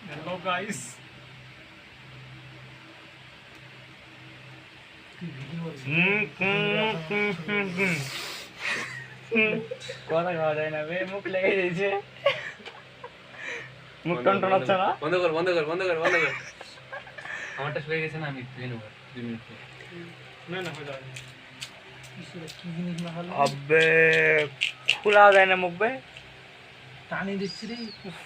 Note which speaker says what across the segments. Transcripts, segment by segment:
Speaker 1: Hello guys.
Speaker 2: কথা খাওয়া যায় না বে, মুখ লেগে দিয়েছে। মুখ টনটন হচ্ছে না?
Speaker 3: বন্ধ কর বন্ধ কর বন্ধ কর বন্ধ কর। আমারটা শুয়ে গেছে না, আমি ধুয়ে নেবো 2 মিনিট পর।
Speaker 1: না না হয়ে যাবে।
Speaker 4: কি জিনিস না হলো
Speaker 2: আবে খোলা যায় না মুখ বে।
Speaker 4: টানি দিচ্ছি রে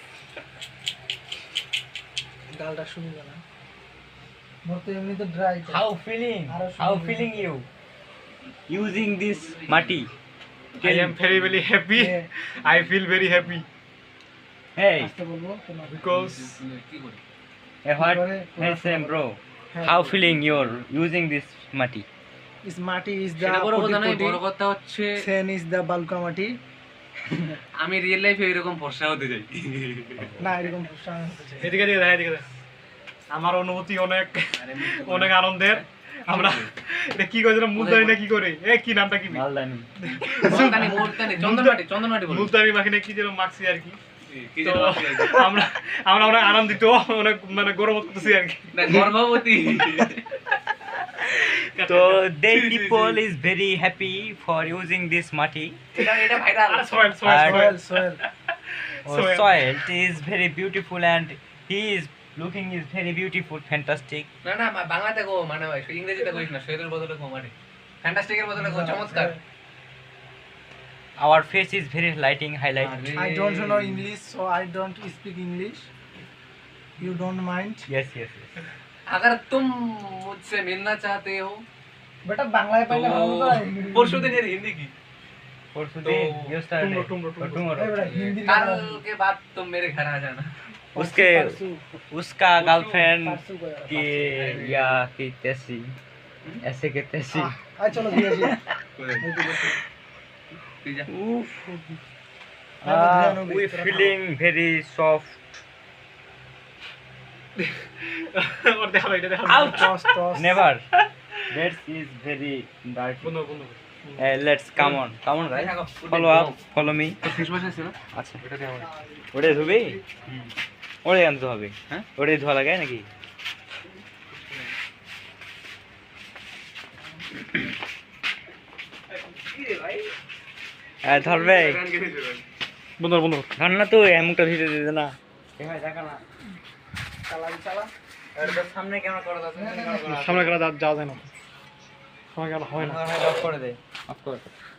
Speaker 4: গালটা শুনবে না মোর তো এমনি তো dry
Speaker 2: How feeling? How feeling you? Using this মাটি?
Speaker 1: I am very happy. I feel very happy
Speaker 2: Hey,
Speaker 4: আসতে বলবো তোমার
Speaker 1: because
Speaker 3: কি করি?
Speaker 2: what? Hey Sam bro. How feeling you're using this মাটি?
Speaker 4: ইস মাটি ইজ দা
Speaker 3: সেটা বড় কথা নয়, বড় কথা হচ্ছে
Speaker 4: সেন ইজ দা বালকা মাটি
Speaker 3: আমি রিয়েল লাইফে এরকম ফর্সা হতে চাই।
Speaker 4: না এরকম প্রশ্ন হচ্ছে
Speaker 1: এদিকে এদিকে আমার অনুভূতি অনেক অনেক আনন্দের। আমরা এটা কি করেছিলাম মুলতানি না কি করে কি নামটা কি
Speaker 2: মালদানি।
Speaker 3: মোলতানি চন্দনমাটি বলো।
Speaker 1: মুলতানি মাখিনে কি যেন মাখছি আর কি।
Speaker 3: কি
Speaker 1: তো
Speaker 3: যেন
Speaker 1: আমরা আমরা অনেক আনন্দিত, অনেক মানে গৌরব করতেছি আর কি।
Speaker 3: না গর্ভবতী।
Speaker 2: So they people is very happy for using this mati.
Speaker 3: এটা viral.
Speaker 1: Soil
Speaker 4: soil soil
Speaker 2: Or soil is very beautiful and he is looking is very beautiful, fantastic.
Speaker 3: না না বাংলাতে কো, মানে ভাই ইংরেজিতে কইস না, শরীরের বদলে কো মানে ফ্যান্টাস্টিকের বদলে কো চমৎকার।
Speaker 2: Our face is very lighting highlight.
Speaker 4: I don't know English so I don't speak English you don't mind
Speaker 2: Yes.
Speaker 3: अगर तुम मुझसे मिलना चाहते हो
Speaker 4: बेटा बांग्लाয় পাইলে ভালো তো
Speaker 3: परसों दिन यार हिंदी की,
Speaker 2: परसों दिन yesterday
Speaker 1: tomorrow.
Speaker 4: এই বেটা হিন্দি
Speaker 3: कल के बाद तुम मेरे घर आ जाना।
Speaker 2: उसके उसका गर्लफ्रेंड की या की तैसी ऐसे के तैसी
Speaker 4: আয় চলো দিয়ে আসি
Speaker 2: we feeling very soft.
Speaker 1: ওর দেখা এটা দেখা
Speaker 4: toss toss
Speaker 2: Never. That is very dirty.
Speaker 1: বন্ধু বন্ধু
Speaker 2: Let's come on guys, follow me.
Speaker 3: Face wash আছে না,
Speaker 2: আচ্ছা
Speaker 3: ওটাতে আমার
Speaker 2: ওটা ধুবি, ওটা আনতে হবে। হ্যাঁ ওটাই ধোয়া লাগে নাকি? ধরবে
Speaker 1: বন্ধু বন্ধু
Speaker 2: ধর না, তো এমনটা ভিডিও দিতে না দেখা না চালা সামনে ক্যামেরা করা যাচ্ছে
Speaker 1: সামনে গেলে যাওয়া যায় না, সামনে গেলে হয় না।
Speaker 2: অফ করে দে, অফ করে